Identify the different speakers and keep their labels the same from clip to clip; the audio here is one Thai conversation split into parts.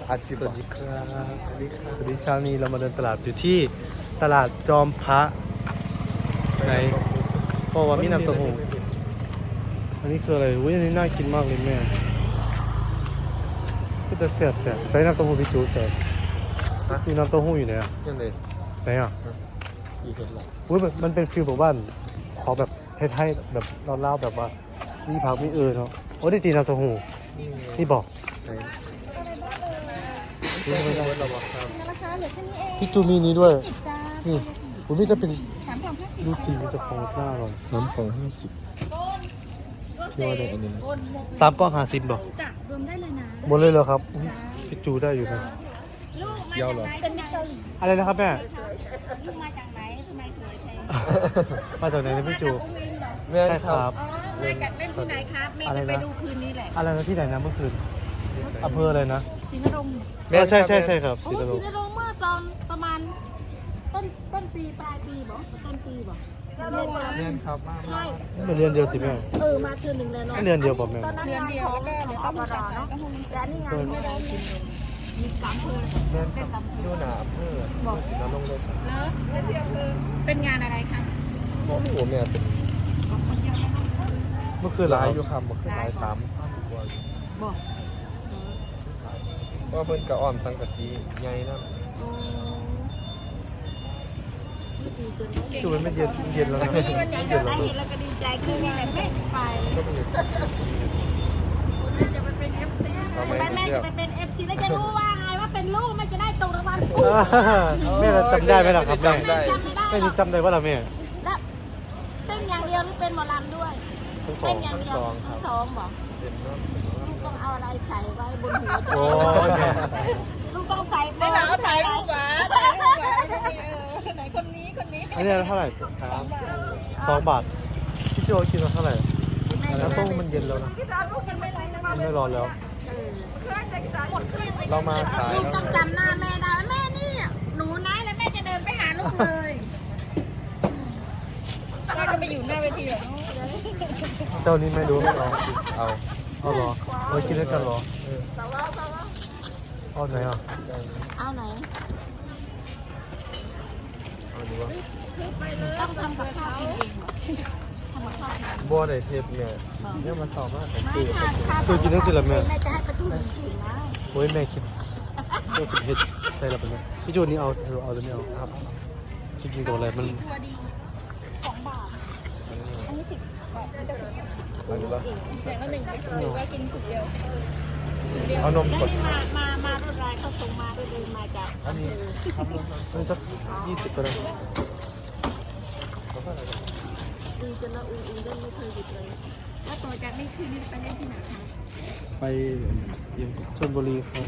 Speaker 1: อาชีพ
Speaker 2: สวัสดีครับสวัสดีครับสวัสดีเช้านี้เรามาเดินตลาดอยู่ที่ตลาดจอมพระในเพราะว่ามีน้ำเต้าหู้อันนี้คืออะไรอุ้ยอันนี้น่ากินมากเลยแม่ก็จะเสียบแจกใส่น้ำเต้าหู้พี่จูแจกมีน้ำเต้าหู้อยู่ไหนอ่ะ
Speaker 1: ยังไง
Speaker 2: ไหนอ่ะ
Speaker 1: อีกเห็นหรอ
Speaker 2: อุ้ยมันเป็นฟิลแบบว่าขอแบบไทยๆแบบเล่าๆแบบว่ามีผักมีเนาะโอ้ได้ตีน้ำเต้าหู้นี่บอก
Speaker 1: ใช่
Speaker 2: นี่ไม่ได้
Speaker 1: เราบอกครับ
Speaker 3: ราคาเหลือแค่นี้เอง
Speaker 2: พี่จูมีนี้ด้วย
Speaker 3: 10จ้า
Speaker 2: นี่อุ้ยนี่จะเป็น
Speaker 3: 350
Speaker 2: ดูสีมันจะฟองหน้าหน่อย
Speaker 1: น้ำของ50
Speaker 2: ที่ว่าได้
Speaker 1: อันนี้
Speaker 2: 3 กล่อง50บอก
Speaker 3: จ้ะรวมได้เลยนะ
Speaker 2: หมดเลยเหรอครับอุ๊ยพี่จูได้อยู่นะ
Speaker 3: ลูกมา
Speaker 1: เกี่ยว
Speaker 3: จาก
Speaker 1: เหรอ
Speaker 3: ไหนเป็นมิตรเกาหลี
Speaker 2: อะไรนะครับแม่
Speaker 3: ลูกมาจากไหนทำไมสวยแท้
Speaker 2: มาจากไหนนะพี่จู
Speaker 3: มาจากอุ้งอิงเหรอ
Speaker 1: แม่
Speaker 2: ใช่ครับ
Speaker 3: อ๋อมาจากเล่นที่ไหนครับแม่จะไปดูคืนนี้แหละ
Speaker 2: อะไรนะที่ไหนนะเมื่อคืนอำเภออะไรนะ
Speaker 3: ศรีนรงค์
Speaker 2: ใช่ครับ
Speaker 3: โอ้
Speaker 2: ศรีนร
Speaker 3: ศรี
Speaker 2: งค์
Speaker 3: นรงค์เมื่อตอนประมาณต้นปีปลายปีบอกต้นปีบอกเรียนมา
Speaker 1: แม่ครับมา
Speaker 3: ใช่
Speaker 2: เป็นเรียนเดียวสิแม่
Speaker 3: มาเทือนหนึ่งเลยเนาะ
Speaker 2: ให้เดือนเดียวบอกแม่
Speaker 3: ตอนนั้นงานของเดี๋ยวต้องมาเนาะแต่อันนี้งานไม่ได้มีกำเพื่อ
Speaker 1: แม่
Speaker 3: เป็น
Speaker 1: ครับ
Speaker 3: กำเพื่
Speaker 1: ยู
Speaker 3: อ
Speaker 1: หนาเพื่อน้ำลงเลยครับ
Speaker 3: เนอะเป็นงานอะไรคะ
Speaker 1: โอ้โหแม่เป็น
Speaker 3: คนเยอะไหมคะ
Speaker 2: เมื่อคืนเหรอ
Speaker 1: ร้า
Speaker 2: ค
Speaker 1: ย
Speaker 2: รับ
Speaker 1: อยู่คำบอกขึ้นร้าย3,000กว่าอยู่
Speaker 3: บอก
Speaker 1: เพราะเพิ่นกระอ่อมสังกะสีใหญ่นะ
Speaker 3: โอ้ดีเกิน
Speaker 2: จูมันไม่เย็นแล้วนะ
Speaker 3: วันนี้ได้เห็นแล้วก็ดีใจคือนี่แหละแม่ไป
Speaker 1: ก็เป็น
Speaker 3: แม่จะไปเป็นเอฟซี
Speaker 1: เอาไหม
Speaker 3: แม่จะไปเป็นเอฟซีแล้วจะรู้ว่าไงว่าเป็นลูกแม่จะได้ตกรางวัล
Speaker 2: แม่เราจำได้ไหมล่ะครับแม่
Speaker 1: จำได้
Speaker 3: จำไม่ได้
Speaker 2: แม่
Speaker 3: หร
Speaker 2: นี่
Speaker 3: อก
Speaker 2: จำได้ว่าล่ะแม่
Speaker 3: แล้วเต้นอย่างเดียวหรือเป็นหมอลำด้วย
Speaker 2: ทั้งสอ
Speaker 3: เต้
Speaker 2: ง
Speaker 3: นอย่างเดียวทั้งสองบอก
Speaker 1: เป็นเนาะ
Speaker 3: ลูกต้องเอาอะไรใส่ไว้บนหัวจะ
Speaker 2: โอ้
Speaker 3: ได้
Speaker 2: ยแม่
Speaker 3: ลูกต้องใส่โบว์ใส่รูปหวานไหนคนนี้คนนี้
Speaker 2: อันนี้เท่าไหร่ครับ2 บาทพี่จูคิดว่าเท่าไหร่น้ำเต้าหู้มันเย็นแล้วนะมันไม่ร้อนแล้ว
Speaker 1: เรามาสาย
Speaker 3: ลูก
Speaker 1: แล้ว
Speaker 3: ต้องจำหน้าแม่ได้แม่นี่หนูนะแล้วแม่จะเดินไปหาลูกเลยแม่ก็ไปอยู่หน้าเวทีเหรอ
Speaker 2: เจ้านี้ไม่รู้ไม่เอา
Speaker 1: เอา
Speaker 2: เอาเหรอเรากินด้วยกันเหรอเอาไหนอ่ะ
Speaker 3: เอาไหน
Speaker 1: เอาดีวะ
Speaker 3: ต้องทำกับข้าวเองเหรอทำกับข้าวเอง
Speaker 1: บัวได้เทปเนี่ยเนี่ยมันสอบมาก
Speaker 3: ไม่ค่ะ
Speaker 2: คือกินทั้งสิละแม่
Speaker 3: แม่จะให้ประตูถึงถึงนะ
Speaker 2: โอ้ยแม่คิดเจ้าคิดเฮ็ดใส่ละเป็นไงพี่จูนี่เอาเอาตัวนี้เอาครับคิดกินกับอะไรมัน
Speaker 3: ตัวดี2 บาทอันนี้10 บาท
Speaker 1: อันนี้วะ
Speaker 3: อย่างละ1หรือว่ากินสุดเดียว
Speaker 1: เอานม
Speaker 3: แล้ว
Speaker 1: กด
Speaker 3: นี่มารถรายเขาส่งมาด้วยเลยมาจาก
Speaker 1: อันนี้ทำแล้วนะ
Speaker 2: มันสัก20ก็ได้
Speaker 3: ดีจนละอุ้งเล่นไม่เคยหยุดเลยแล้วต่อจากนี้คืนนี้ไปเล่นที่ไหนคะ
Speaker 2: ไปชลบุรีครับ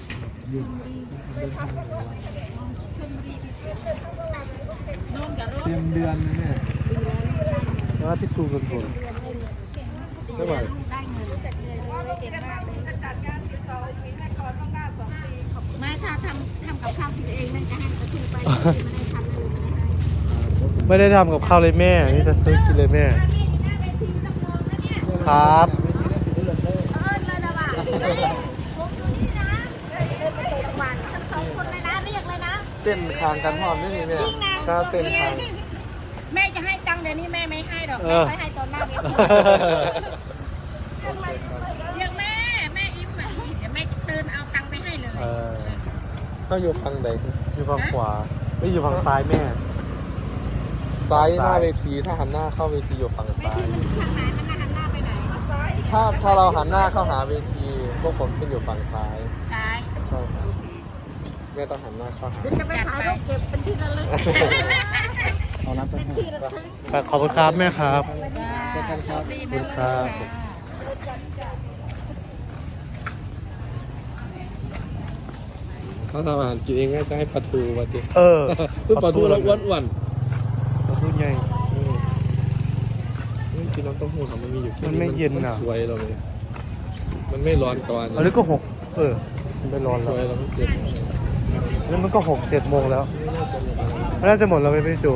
Speaker 3: นอนกับรถ
Speaker 1: เตรียมเดือนนะเนี่ย
Speaker 2: แล้วก็ที่ตูกันผล
Speaker 1: ใช่ไหม
Speaker 3: ได้เงินเก่งมากเลยไม่ถ้าทำกับข้าวกินเองแม่จะให้ประตูไปไม่ได้ทำเลยไม่ได้ให้
Speaker 2: ไม่ได้ทำกับข้าวเลยแม่ นี่จะซื้อกินเลยแม่ ครับ
Speaker 3: เลยนะว่ะผมอยู่นี่นะหวานทั้ง2 คนเลยนะเรียกเลยนะ
Speaker 1: เต้นคางกันพร้อมนี่นี่แม่
Speaker 3: จริงนะ
Speaker 1: ถ้าเต้นคาง
Speaker 3: แม่จะให้ตังค์เดี๋ยวนี้แม่ไม่ให้หรอกแม่ไปให้ตอนหน้าเวทีเรียกแม่อิ่มอ่ะเดี๋ยวแม่จะเตือนเอาตังค์ไปให้เลย
Speaker 2: เออ
Speaker 1: ต้องอยู่ฝั่งใด
Speaker 2: อยู่ฝั่งขวาไม่อยู่ฝั่งซ้ายแม่
Speaker 1: ซ้ายหน้าเวทีถ้าหันหน้าเข้าเวทีอยู่ฝั่ง
Speaker 3: เว
Speaker 1: ซ้า
Speaker 3: ที
Speaker 1: ย
Speaker 3: มันอยู่ทางไหนมันหันหน้าไปไหน
Speaker 1: ถ้าเราหันหน้าเข้าหาเวทีพวกผมจะอยู่ฝั่งซ้าย
Speaker 3: ซ้าย
Speaker 1: ใช่ครับแม่ต้องหันหน้าเข้าหา
Speaker 3: เดี๋ยวจะไปถ่ายรูปเก็บเป็นที่ระลึก
Speaker 1: เอาน้ำไป
Speaker 3: เป็น
Speaker 1: ให้
Speaker 3: ที่ระลึก
Speaker 2: ขอบคุณครับแม่ครับ
Speaker 3: ขอบคุณครับ
Speaker 2: ขอบคุณครับ
Speaker 1: เขาทำอาหารกินเองก็จะให้ปลาทูมาสิ
Speaker 2: เออ
Speaker 1: คือปลาทูแล้วอ้วน
Speaker 2: ปลาทูใหญ่
Speaker 1: กินน้ำเต้าหู้มันมีอยู่แค่
Speaker 2: มันไม่เย็นน่ะ
Speaker 1: สวยเราเลย มันไม่ร้อนก่อน
Speaker 2: อันนี้ก็6มันไม่ร้อน
Speaker 1: ส
Speaker 2: แล้ว
Speaker 1: วยเราไม่เจ็บ
Speaker 2: แล้วมันก็6-7 โมงแล้วน่าจะหมดแล้วไหมพี่จู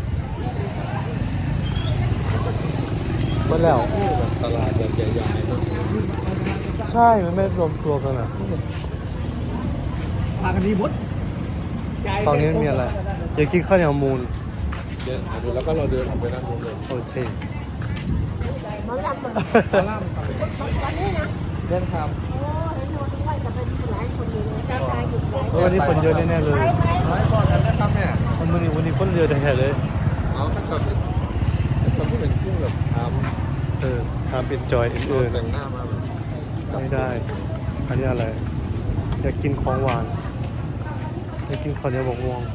Speaker 2: หมดแล้ว
Speaker 1: แบบตลาดแบบใหญ่ๆเนอะ
Speaker 2: ใช่ มันไม่รวมตัวกันอ่ะ
Speaker 4: พากันดีหมด
Speaker 2: ตอนนี้มันมีอะไรอยากกินข้าวเหนียวมูน
Speaker 1: เดินดูแล้วก็เราเดินออกไปด้านนู้นเลย
Speaker 2: โอเค
Speaker 3: มันลำเหมือน
Speaker 1: ล่ามครับ
Speaker 3: วันนี้นะ
Speaker 1: เดินทาง
Speaker 3: โอ้เห็นหมดด้วยจะเป็นหลายคนอยู่เลยกล้าหยุดไหน
Speaker 2: วันนี้คนเยอะแน่ๆเลย
Speaker 1: ร้อยก่อนกันนะครับเนี่ย
Speaker 2: วันนี้คนเยอะแท้ๆเลย
Speaker 1: เอาถ้าเกิดคนที่เป็นคู่แบบท
Speaker 2: ทำเป็นจอย
Speaker 1: ำ
Speaker 2: อื่น
Speaker 1: แต่งหน้ามาแบบ
Speaker 2: ๆไม่ได้ อันนี้อะไร อยากกินของหวาน อยากกินข้าวเหนียวบกม่วง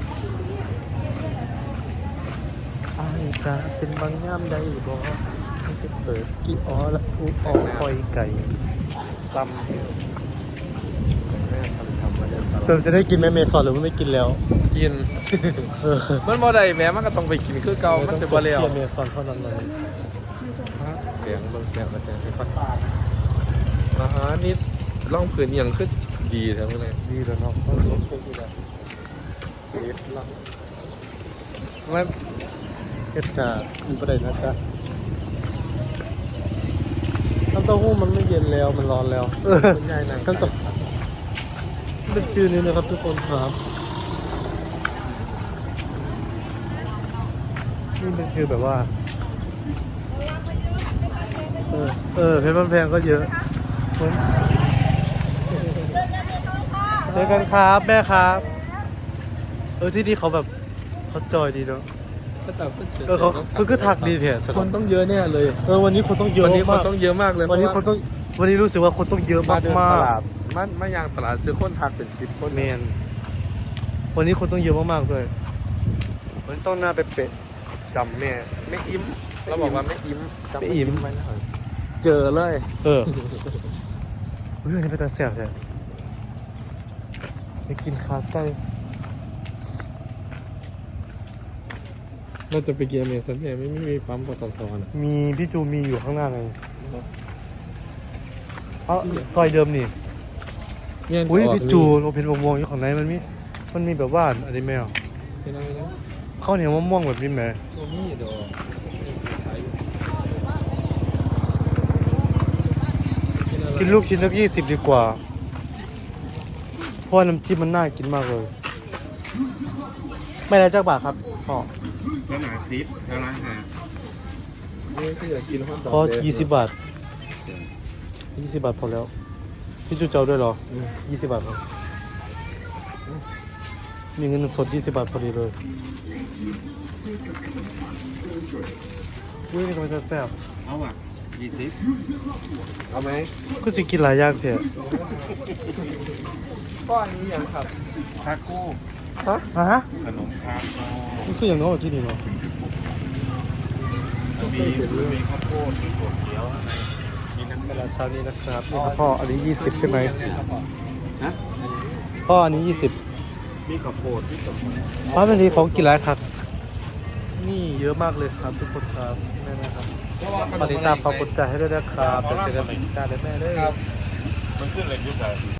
Speaker 2: อายจะเป็นบางย่ามได้บ่มันจะเปิดกี่อ้อละอู้อ้อคอยไก่
Speaker 1: ซ้ำแม่ทำมาเดินตลอด
Speaker 2: เติมจะได้กินไหมเมซอนหรือว่าไม่กินแล้ว
Speaker 1: กิน
Speaker 2: เออ
Speaker 1: มันบ่ได้แม้มันก็ต้องไปกินคือเก่ามันจะบ่แล้ว
Speaker 2: เมซอนเท่านั้นเลย
Speaker 1: เสียงเบิ่งเสียงกระแสไฟฟ้าอาหารนี่ร่องผืนอย่างคือดีทั้งนั้น
Speaker 2: ดีแล้วเนาะ
Speaker 1: รถพวกนี้แบบเอฟล่าง
Speaker 2: สมัยเฮ็ดนามีประเด็นนะจ๊ะน้ำเต้าหู้มันไม่เย็นแล้วมันร้อนแล้ว
Speaker 1: คุณยายนาง
Speaker 2: น้ำเต้าเป็นฟิลนี้นะครับทุกคนครับนี่เป็นฟิลแบบว่าเพชรบ้านแพงก็เยอะเจอกันครับแม่ครับที่นี่เขาแบบเขาจอยดีเนาะ
Speaker 1: ก็แต่
Speaker 2: เขาคือทักดีเถอะ
Speaker 1: คนต้องเยอะแน่เลย
Speaker 2: วันนี้คนต้องเยอะ
Speaker 1: วันนี้คน
Speaker 2: มาก
Speaker 1: ต้องเยอะมากเลย
Speaker 2: วันนี้คนต้องวันนี้รู้สึกว่าคนต้องเยอะ
Speaker 1: มาม
Speaker 2: าก
Speaker 1: เดิน
Speaker 2: มา
Speaker 1: ต
Speaker 2: ก
Speaker 1: ลาดมายางตลาดซื้อคนทักเป็น10 คน
Speaker 2: เมนวันนี้คนต้องเยอะมากๆด้วยวันนี้ต้องหน้าเป๊ะๆจำแม่
Speaker 1: ไม่อิ่มเราบอกว่าไม่อิ่มจำ
Speaker 2: ไม่อิ่ม
Speaker 1: ไว้นะเจอเลย
Speaker 2: อุ้ยอันนี้เป็นตาแซ่บแท้ไปกินขาไก่
Speaker 1: เราจะไปเกียร์เมสันเนี่ยไม่มีปั๊มปตทนะ
Speaker 2: มีพี่จูมีอยู่ข้างหน้าไงซอยเดิมนี่อุ้ยพี่จูโอเพนมะม่วงอยู่ข้างในมันมีแบบว่าอะไรแมว
Speaker 1: เป็นอะไรนะ
Speaker 2: ข้าวเหนียวมะม่วงแบบนี้ไหม
Speaker 1: โอ้มีดอก
Speaker 2: กินลูกชิ้นสัก20ดีกว่าเพราะว่าน้ำจิ้มมันน่ากินมากเลยไม่ได้จักบาทครับพ่อ
Speaker 4: แล้วหนาซิปแล้วร้านหา
Speaker 1: นี่คืออยากกินฮอทดอก
Speaker 2: พอ20 บาท20 บาทพอแล้วพี่จูเจ้าด้วยเหรอ20 บาทพอมีเงินสด20 บาทพอดีเลยอุ้ยนี่ก็มันจะแซ่บ
Speaker 4: เอาอ่ะ20
Speaker 1: เอาไหม
Speaker 2: ก็สิกินหลายอย่างเถอะ
Speaker 1: ก็อันนี้ยังครับ
Speaker 4: ทาโก้
Speaker 2: ฮะ
Speaker 4: ขนมทาโก้
Speaker 2: มันคืออย่างน้อยที่นี่เนาะ
Speaker 4: มีข้าวโพดมีถั่วเขียวอะไรมีน้ำ
Speaker 2: เวลาเช้านี้นะครับนี่ครับพ่ออันนี้20ใช่ไหม
Speaker 4: นะ
Speaker 2: พ่ออันนี้20
Speaker 4: มีข้าวโพดมีข้าวโพด
Speaker 2: ป้าเป็นทีของกินหลายครับนี่เยอะมากเลยครับทุกคนครับแม่นะครับปฏิดตามความกดใจให้ด้วยนะครับเดี๋ยวเจอกันใหม่ที่หน้าเลยแม่เลย
Speaker 1: ครับ
Speaker 4: มันขึ้นเลยยุคไหน